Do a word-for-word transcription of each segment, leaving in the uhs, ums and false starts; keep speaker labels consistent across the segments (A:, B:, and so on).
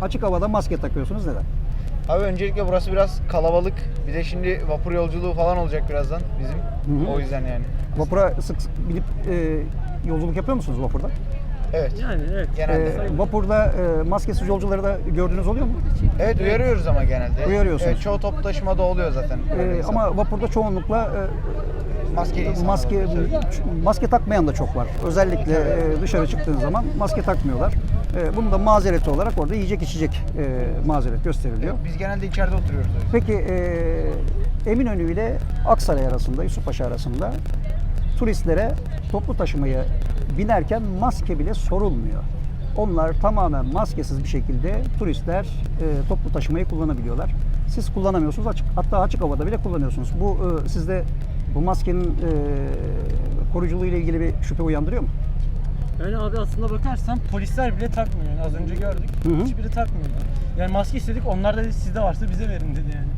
A: açık havada maske takıyorsunuz, neden?
B: Abi öncelikle burası biraz kalabalık. Bir de şimdi vapur yolculuğu falan olacak birazdan bizim.
A: Hı hı.
B: O yüzden yani.
A: Vapura sık sık binip e, yolculuk yapıyor musunuz vapurda?
B: Evet.
C: Yani evet.
B: Genelde.
A: E, vapurda e, maskesiz yolcuları da gördüğünüz oluyor mu?
B: Evet uyarıyoruz ama genelde.
A: Uyarıyorsunuz.
B: Evet, çoğu toplu taşımada oluyor zaten.
A: E, ama vapurda çoğunlukla e,
B: maskeli insanlar
A: maske
B: var.
A: maske takmayan da çok var. Özellikle e, dışarı çıktığın zaman maske takmıyorlar. E, bunun da mazereti olarak orada yiyecek içecek e, mazeret gösteriliyor.
B: Biz genelde içeride oturuyoruz. o yüzden.
A: Peki e, Eminönü ile Aksaray arasında, Yusufpaşa arasında turistlere toplu taşımaya binerken maske bile sorulmuyor. Onlar tamamen maskesiz bir şekilde turistler e, toplu taşımayı kullanabiliyorlar. Siz kullanamıyorsunuz, açık, hatta açık havada bile kullanıyorsunuz. Bu e, sizde bu maskenin e, koruyuculuğu ile ilgili bir şüphe uyandırıyor mu?
C: Yani abi aslında bakarsan polisler bile takmıyor. Yani az önce gördük.
A: Hı hı.
C: Hiçbiri takmıyordu. Yani maske istedik. Onlar da dedi sizde varsa bize verin dedi yani.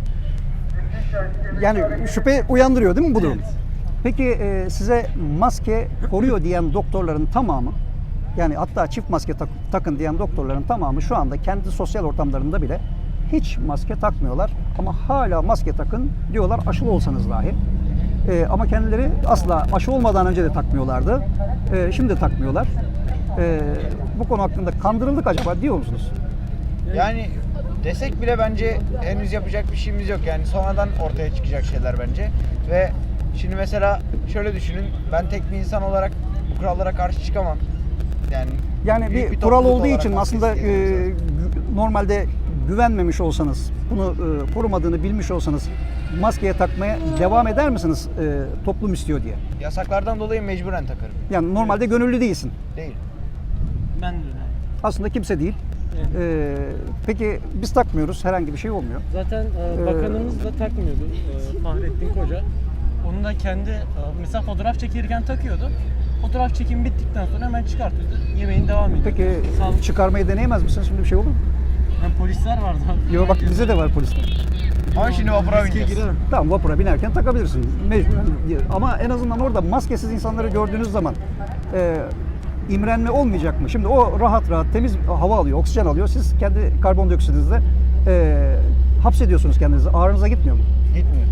A: Yani şüphe uyandırıyor değil mi bu durum?
C: Evet.
A: Peki e, size maske koruyor diyen doktorların tamamı, yani hatta çift maske tak- takın diyen doktorların tamamı şu anda kendi sosyal ortamlarında bile hiç maske takmıyorlar. Ama hala maske takın diyorlar, aşılı olsanız dahi. E, ama kendileri asla aşı olmadan önce de takmıyorlardı. E, şimdi takmıyorlar. E, bu konu hakkında kandırıldık acaba diyor musunuz?
B: Yani desek bile bence henüz yapacak bir şeyimiz yok. Yani sonradan ortaya çıkacak şeyler bence. Ve şimdi mesela şöyle düşünün. Ben tek bir insan olarak bu kurallara karşı çıkamam. Yani
A: Yani
B: büyük
A: bir,
B: bir
A: kural
B: topluluk
A: olduğu
B: olarak
A: için
B: maske
A: aslında e,
B: isteyebiliriz.
A: gü- normalde güvenmemiş olsanız, bunu e, korumadığını bilmiş olsanız maskeye takmaya devam eder misiniz e, toplum istiyor diye?
B: Yasaklardan dolayı mecburen takarım.
A: Yani normalde gönüllü değilsin.
B: Değil.
C: Ben de öyle.
A: Aslında kimse değil.
C: Evet.
A: E, peki biz takmıyoruz, herhangi bir şey olmuyor.
C: Zaten e,
A: Ee,
C: bakanımız da takmıyordu. E, Fahrettin Koca. Onun da kendi e, mesela fotoğraf çekirken takıyordu. Fotoğraf çekim bittikten sonra hemen çıkartıyordu. Yemeğin devam ediyordu.
A: Peki
C: Sağlık.
A: çıkarmayı deneyemez misiniz? Şimdi bir şey olur mu?
C: Yani polisler vardı abi.
A: Yok bak bizde de var polisler.
B: Ama şimdi vapura
C: Riske
B: bineceğiz.
C: girerim.
A: Tamam, vapura binerken takabilirsin mecburen. Ama en azından orada maskesiz insanları gördüğünüz zaman e, imrenme olmayacak mı? Şimdi o rahat rahat temiz hava alıyor, oksijen alıyor. Siz kendi karbondioksitinizle e, hapsediyorsunuz kendinizi. Ağrınıza gitmiyor mu?
B: Gitmiyor.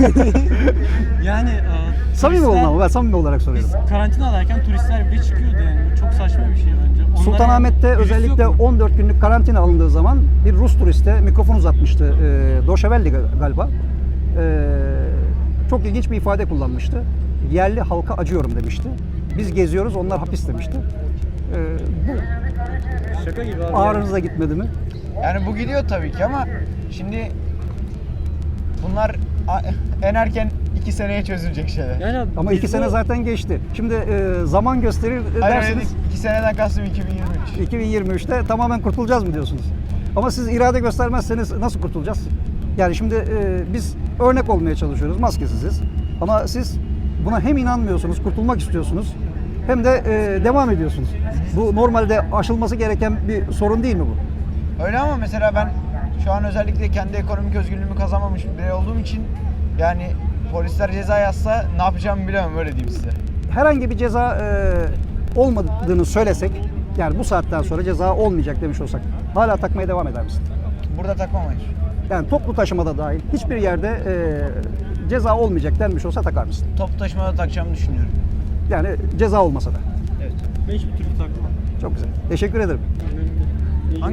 C: Yani e,
A: Samimi
C: turistler-
A: olun ama ben samimi olarak
C: Biz
A: soruyorum.
C: karantinadayken turistler bile çıkıyordu yani. Bu çok saçma bir şey bence. Onlara
A: Sultanahmet'te
C: virüs
A: özellikle
C: yok mu?
A: on dört günlük karantina alındığı zaman bir Rus turiste mikrofon uzatmıştı. E, Doşevelli galiba. E, çok ilginç bir ifade kullanmıştı. Yerli halka acıyorum demişti. Biz geziyoruz, onlar hapis demişti. E, bu
C: Şaka gibi abi.
A: ağrınıza gitmedi mi?
B: Yani bu gidiyor tabii ki ama şimdi bunlar a- en erken iki seneye çözülecek şeyler.
C: Yani abi,
A: Ama
C: biz
A: iki
C: bu-
A: sene zaten geçti. Şimdi e, zaman gösterir e,
B: Hayır
A: dersiniz.
B: dedik, iki seneden kastım iki bin yirmi üç.
A: iki bin yirmi üçte tamamen kurtulacağız mı diyorsunuz? Ama siz irade göstermezseniz nasıl kurtulacağız? Yani şimdi e, biz örnek olmaya çalışıyoruz, maskesiziz. Ama siz buna hem inanmıyorsunuz, kurtulmak istiyorsunuz, hem de e, devam ediyorsunuz. Bu normalde aşılması gereken bir sorun değil mi bu?
B: Öyle ama mesela ben şu an özellikle kendi ekonomik özgürlüğümü kazanmamış bir birey olduğum için yani polisler ceza yazsa ne yapacağımı bilemem, öyle diyeyim size.
A: Herhangi bir ceza e, olmadığını söylesek, yani bu saatten sonra ceza olmayacak demiş olsak, hala takmaya devam eder misin?
B: Burada takmam hayır.
A: Yani toplu taşımada dahil hiçbir yerde e, ceza olmayacak denmiş olsa takar mısın?
B: Toplu taşımada takacağımı düşünüyorum.
A: Yani ceza olmasa da.
B: Evet.
C: Ben hiçbir türlü takmam.
A: Çok güzel. Teşekkür ederim.